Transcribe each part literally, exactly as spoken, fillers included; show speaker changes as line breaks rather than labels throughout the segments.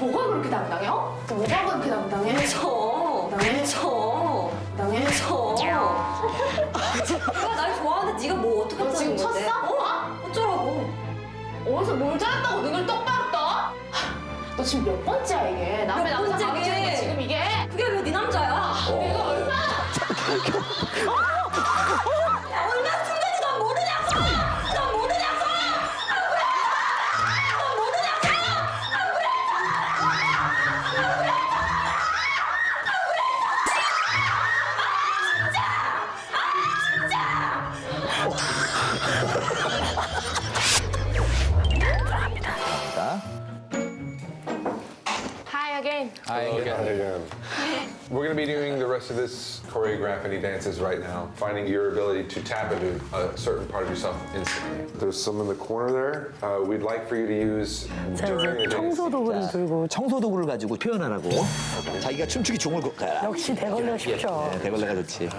뭐가 그렇게 당당해? 어? 뭐가 그렇게 당당해?
저.
당당해?
저.
당당해?
저. 내가 날 좋아하는데 네가 뭐 어떻게
너 지금
하는 건데?
쳤어?
어? 어쩌라고?
어디서 뭘 잘했다고 눈을 똑바로 떠? 하, 너 지금 몇 번째야 이게? 남의
몇
남자
번째게?
가로채는 거 지금 이게?
그게 왜 네 남자야?
내가 얼마나
야, 얼마나 술인지 넌 모르냐고! 넌 모르냐고! 안 그래! 넌 모르냐고! 안 그래! 안 그래!
자,
Hi again.
Hi again.
again. We're going to be doing the rest of this choreography dances right now, finding your ability to tap into a certain part of yourself instantly. There's some in the corner there. Uh, we'd like for you to use
자,
during
이제
the dance.
청소 도구를 들고
청소 도구를 가지고 표현하라고. 자기가 춤추기 좋은 걸 가라.
역시 대걸레가 쉽죠.
네, 대걸레가 좋지.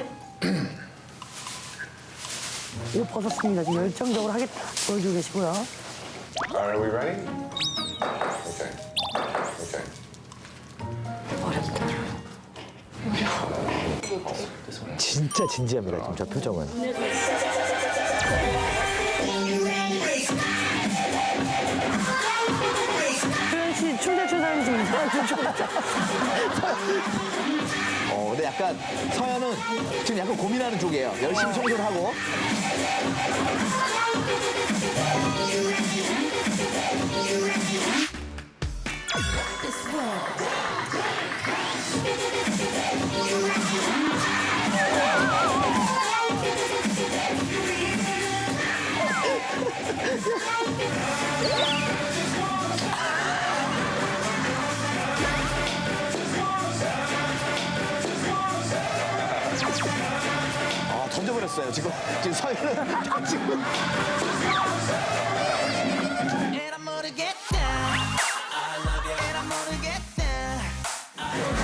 옷 벗었습니다. 지금 열정적으로 하겠다 보여주고 계시고요.
Are we ready? Okay. Okay.
진짜 진지합니다, 지금 저 표정은.
표현 씨 춤대출 사람이 지금 이상한 춤 췄다.
어, 근데 약간 서현은 지금 약간 고민하는 쪽이에요. 열심히 청소를 하고. 아, 던져버렸어요. 지금, 지금 서현은 지금.
And I'm gonna get down. I love you. And I'm gonna get down.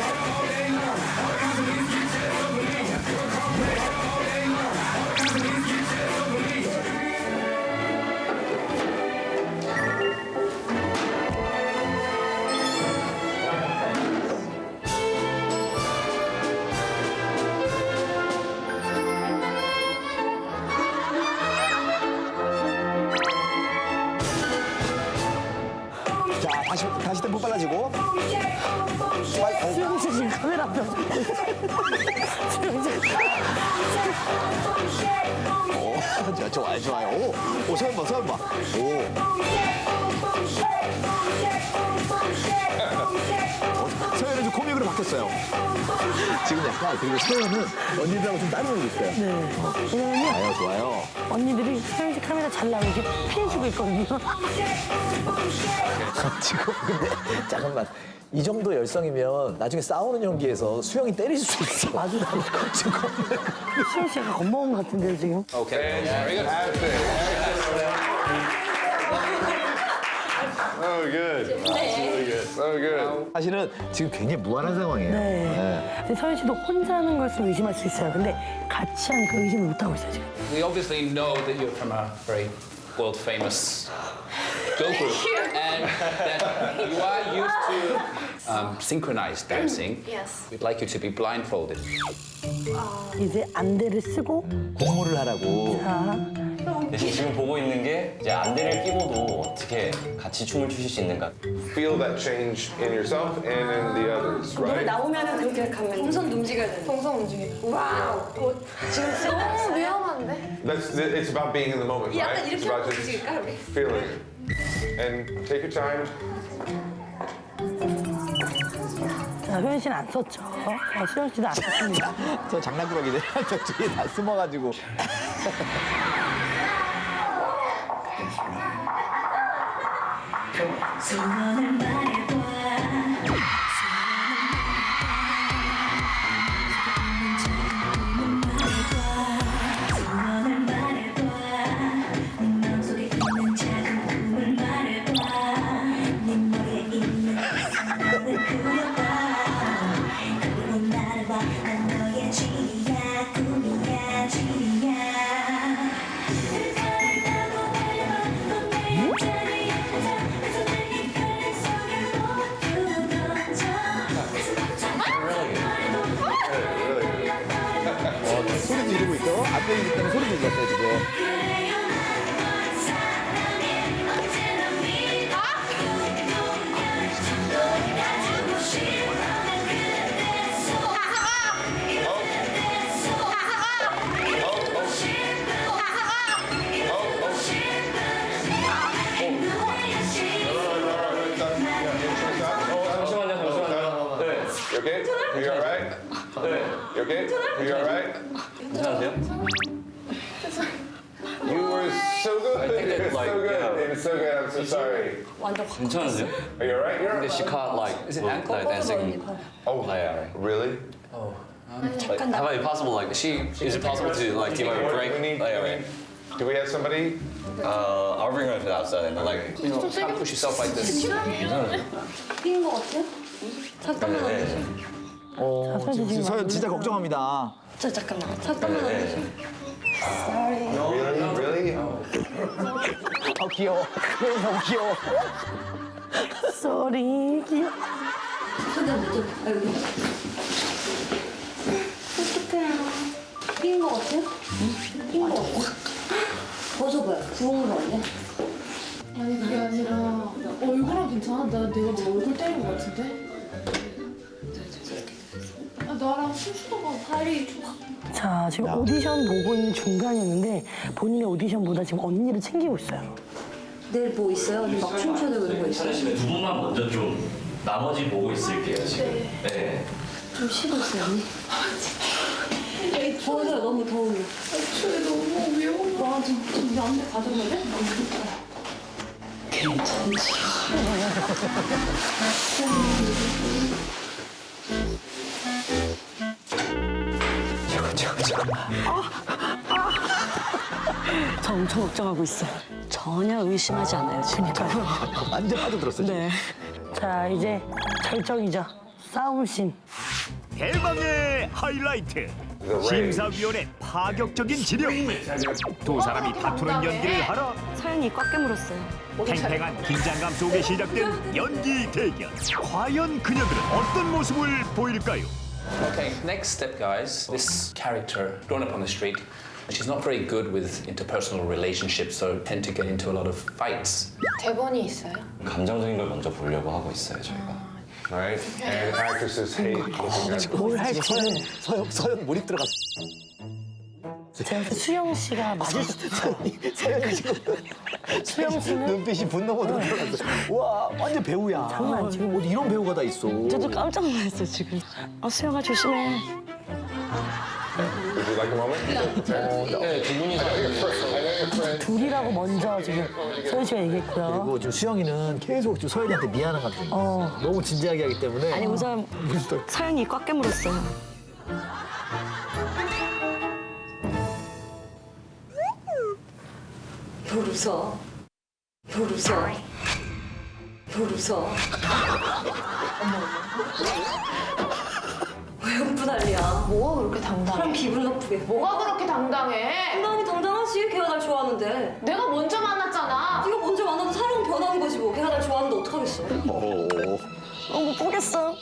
자, 다시, 다시 템포 빨라지고.
수영 씨 지금 카메라 앞에 와서. 수영 씨.
오, 자, 좋아요, 좋아요. 오, 오, 서현 봐, 서현 봐. 오. 어, 서현은 좀 코믹으로 바뀌었어요. 지금 약간, 그리고 서현은 언니들하고 좀 따로 놀고 있어요.
네. 왜냐면요,
좋아요, 좋아요.
언니들이 수영 씨 카메라 잘 나오게 이렇게 피해주고 있거든요.
지금 근데 잠깐만 이 정도 열성이면 나중에 싸우는 연기에서 수영이 때릴 수 있어.
아주
지금
수영 씨가 겁먹은 것 같은데요, 지금.
Okay. Very good.
Oh, good. Really good. So good.
사실은 지금 굉장히 무한한 상황이에요.
네. 근데 서현 씨도 혼자 하는 것을 의심할 수 있어요. 근데 같이 하니까 의심을 못 하고 있어요, 지금.
We obviously know that you're from a very world famous girl group and that you are used to um, synchronized dancing.
Yes.
We'd like you to be blindfolded.
이제 안대를 쓰고
공모를 하라고.
자,
대신 지금 보고 있는 게 이제 안대를 끼고도 어떻게 같이 춤을 추실 수 있는가.
Feel that change in yourself and in the others,
노래
right?
나오면은 그렇게 가면 동선 움직여야 돼. 동선 움직여. 와우. 어, 지금
너무 위험한데?
That's, it's about being in the moment,
약간
right? It's
이렇게
about
하고
just
움직일까 우리?
feeling it. And take your time.
자, 효연 씨는 안 썼죠. 어, 수영 씨도 안 썼습니다.
저 장난꾸러기들 저쪽에 다 숨어가지고.
소원을 말해봐. 소원을 말해봐. 네 마음속에 있는 작은 꿈을 말해봐. 네 머리에 있는 상상을 그려봐. 그리고 나를 봐. 난 너의 진이야, 꿈이야, 진이야. 그 사랑 타고 달려봐. 넌 내 옆자리에 앉아. 내 손을 네 팔 속에
합병이기 때문에 소리 지르었어요 지금.
그래요 넌 사랑해 언제나 믿어 또 가지고 싶어 난 그대서
잠시만요, 잠시만요. 네.
You okay? You alright?
네.
You okay? You alright?
괜찮으세요?
You were so good.
I think
It
it's
was
like,
so good.
yeah.
It was so good. I'm so sorry.
괜찮으세요?
Are you alright? You're
근데 she caught like
Is it ankle?
like dancing.
Oh,
Yeah, right.
really?
Like, how about it possible like she is it possible to like give her a break?
We need,
Like,
we
right.
need- do we have somebody?
Uh, I'll bring her to the outside and like.
You know, can't push yourself like this.
뛴 거 같아? 잠깐만.
네, 네.
어,
사실
지금
지금
서현 진짜 걱정합니다.
저 잠깐만. 잠깐만.
네, 네.
Really? Really?
아 귀여워. 그래 너무 귀여워.
쏘리 귀여워.
근데 뭐 아이고. 어떡해요. 뛴거 같아? 뛴거 같아? 벗어봐요. 부은 거 아니야?
아니 그게 아니라 얼굴은 괜찮아? 나 내가 너 얼굴 때린 거 같은데? 아, 나랑 순수도가 발이 좀
자, 지금 오디션 보고 있는 중간이었는데 본인의 오디션보다 지금 언니를 챙기고 있어요.
내일 뭐 있어요? 막 춤춰야 되고 이런 거 있어요?
사실 두 분만 먼저 좀 나머지 보고 있을게요 지금. 네.
좀 쉬고 있어요, 언니. 더워요, 너무 더우면.
애초에 너무 위험한
와, 좀, 좀 양대 가져갈래? 괜찮지.
저 엄청 걱정하고 있어요.
전혀 의심하지 않아요, 지금.
완전 빠져들었어. 지금.
네. 자, 이제 절정이죠. 싸움씬.
대망의 하이라이트. 심사위원의 파격적인 지령. 두 사람이 다투는 연기를 하러
서연이 꽉 깨물었어요.
팽팽한 긴장감 속에 시작된 연기 대결. 과연 그녀들은 어떤 모습을 보일까요?
Okay, next step, guys. This character, grown up on the street, she's not very good with interpersonal relationships, so tend to get into a lot of fights.
대본이 있어요?
감정적인 걸 먼저 보려고 하고 있어요 저희가.
Right? And actresses hate looking at
뭘 할지.
서현, 서현, 서현 몰입 들어갔어.
제가 볼때 수영 씨가 맞을 수도 있어요.
서현이 지금
수영 씨는
눈빛이 분노 모드로 들어갔어. 와, 완전 배우야.
장난 아니지.
지금 어디 이런 배우가 다 있어.
저도 깜짝 놀랐어요, 지금. 어, 수영아, 조심해.
Would you like a moment?
네, 두 분이서.
I know your friend.
둘이라고 먼저 지금 서현 씨가 얘기했고요.
그리고 지금 수영이는 계속 지금 서현이한테 미안한 감정이 있어.
어.
너무 진지하게 하기 때문에.
아니, 우선 서연이 꽉 깨물었어요. 별 웃어. 별 웃어. 별 웃어. 왜 웃고 난리야?
뭐가 그렇게 당당해?
사람 기분 나쁘게.
뭐가 그렇게 당당해?
당당히 당당하지. 걔가 날 좋아하는데.
내가 먼저 만났잖아.
네가 먼저 만나도 사람은 변하는 거지 뭐. 걔가 날 좋아하는데 어떡하겠어.
오.
어, 못 보겠어.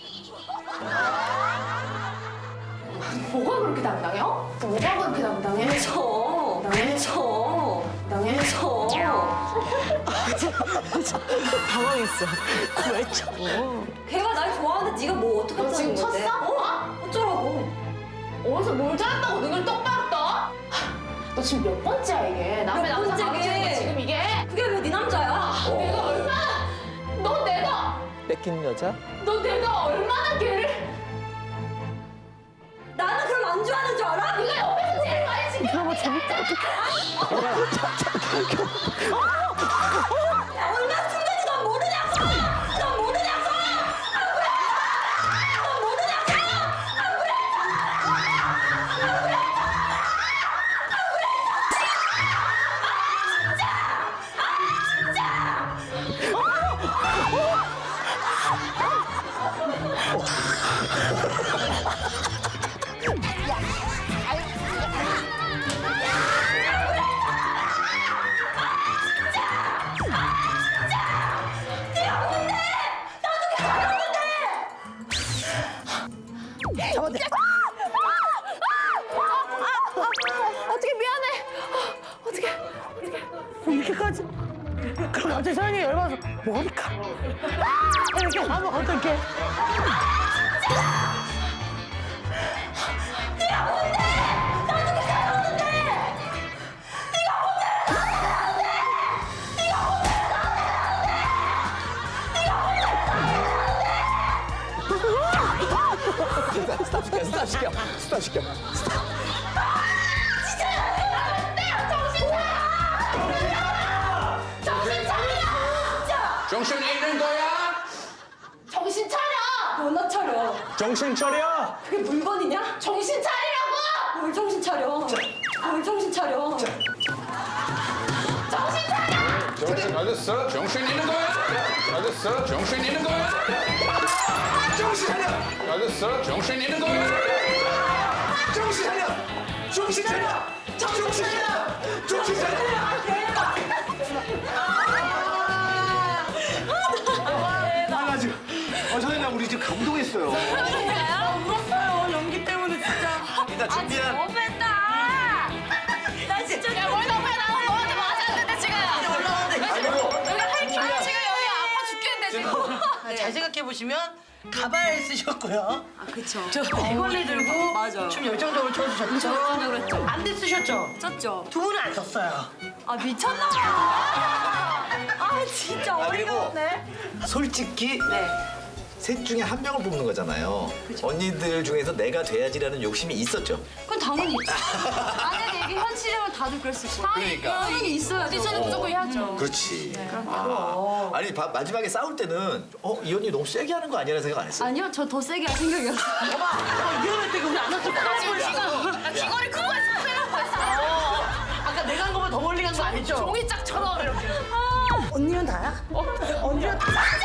뭐가 그렇게 당당해? 어? 뭐가 그렇게 당당해?
저.
당해?
저.
당해?
저.
당황했어. 왜 쳐?
걔가 날 좋아하는데 네가 뭐
너
어떡하자는
지금
건데?
쳤어?
어? 어쩌라고.
어디서 뭘 잘했다고 눈을 똑바로 떠? 하, 너 지금 몇 번째야 이게? 남의
몇
남자
번째게?
망치는 거 지금 이게?
그게 왜 네 남자야?
내가 얼마나 너 내가
뺏긴 여자?
너 내가 얼마나 걔를
나는 그럼 안 좋아하는 줄 알아?
네가 옆에서 제일 많이 지켜.
너무 재밌다.
야, 얼마나 힘든지 넌 모르냐고! 넌 모르냐고! 안 그래! 넌 모르냐고! 안 그래! 안 그래! 안 그래! 아, 진짜! 아, 진짜!
머리카락. 이렇게 하면 어떡해.
네가 뭔데? 나 어떻게 살아오는데? 네가 뭔데? 나한테 네가 뭔데? 나한테
스탑 시켜, 스탑 시켜, 스탑 시켜.
진짜 나한테요. 정신 차려. 정신 차려. 진짜.
정신 잃는 거야?
정신 차려!
너나 차려.
정신 차려.
그게 물건이냐?
정신 차리라고!
뭘 정신 차려? 뭘 정신 차려?
정신 차려!
정신 가졌어?
정신 잃는 거야?
가졌어?
정신 잃는 거야?
정신 차려!
가졌어?
정신 잃는 거야?
정신 차려! 정신 차려! 정신 차려! 정신 차려! 아, 지금, 어, 선생님, 우리 지금 감동했어요.
울었어요. 연기 때문에 진짜.
일단 준비한.
너무했다. 나 진짜
야, 뭘 너무해, 나 너한테 맞았는데, 지금.
아이고,
여기 할, 아, 지금 여기 아파 죽겠는데, 지금.
아, 잘 생각해 보시면 가발 쓰셨고요. 아 그렇죠. 저 대걸레 들고 맞아. 춤 열정적으로 춰주셨죠. 열정적으로 했죠. 안대 쓰셨죠.
쪘죠.
두 분은 안 썼어요.
아 미쳤나 봐. 아 진짜
아,
어이가
그리고
없네.
솔직히
네.
셋 중에 한 명을 뽑는 거잖아요. 언니들 중에서 내가 돼야지라는 욕심이 있었죠.
그건 당연히 있죠. 만약에 이게 현실이면 다들 그랬을 거예요.
그러니까.
당연히 있어요.
오디션은 무조건 해야죠.
그렇지. 아, 아니 바- 마지막에 싸울 때는 어, 이 언니 너무 세게 하는 거 아니라는 생각 안 했어요?
아니요, 저 더 세게 할 생각이었어요.
위험할 때 우리 안 왔을 거
나 지금
같아요.
귀가, 나 귀걸이 큰 거 했어, 큰일 날 뻔했어.
아까 내가 한 거보다 더 멀리 간 거 아니죠?
종이짝처럼 이렇게.
언니는 다야? 언니는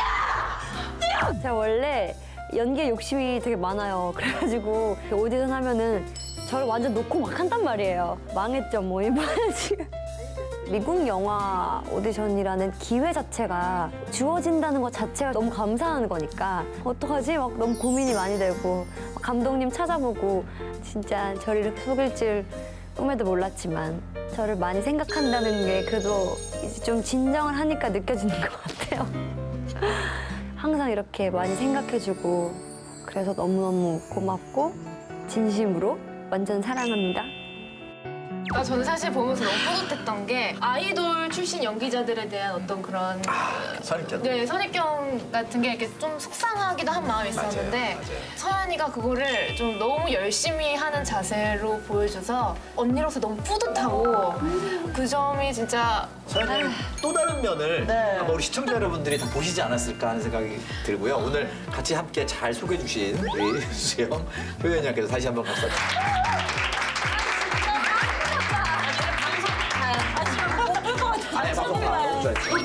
제가 원래 연기에 욕심이 되게 많아요. 그래가지고 오디션 하면은 저를 완전 놓고 막 한단 말이에요. 망했죠, 뭐 이번에 지금. 미국 영화 오디션이라는 기회 자체가 주어진다는 것 자체가 너무 감사한 거니까 어떡하지? 막 너무 고민이 많이 되고 막 감독님 찾아보고 진짜 저를 이렇게 속일 줄 꿈에도 몰랐지만 저를 많이 생각한다는 게 그래도 이제 좀 진정을 하니까 느껴지는 것 같아요. 항상 이렇게 많이 생각해주고 그래서 너무너무 고맙고 진심으로 완전 사랑합니다.
아, 저는 사실 보면서 너무 뿌듯했던 게 아이돌 출신 연기자들에 대한 어떤 그런
선입견.
네, 선입견 같은 게 이렇게 좀 속상하기도 한 마음이 있었는데
맞아요, 맞아요.
서연이가 그거를 좀 너무 열심히 하는 자세로 보여줘서 언니로서 너무 뿌듯하고 그 점이 진짜
서연이는 또 다른 면을
네.
아마 우리 시청자 여러분들이 다 보시지 않았을까 하는 생각이 들고요. 오늘 같이 함께 잘 소개해 주신 우리 수영 효연이 양께서 다시 한번 박수.
아, 지금 못 볼 것 같아요.
아니, 방송 봐.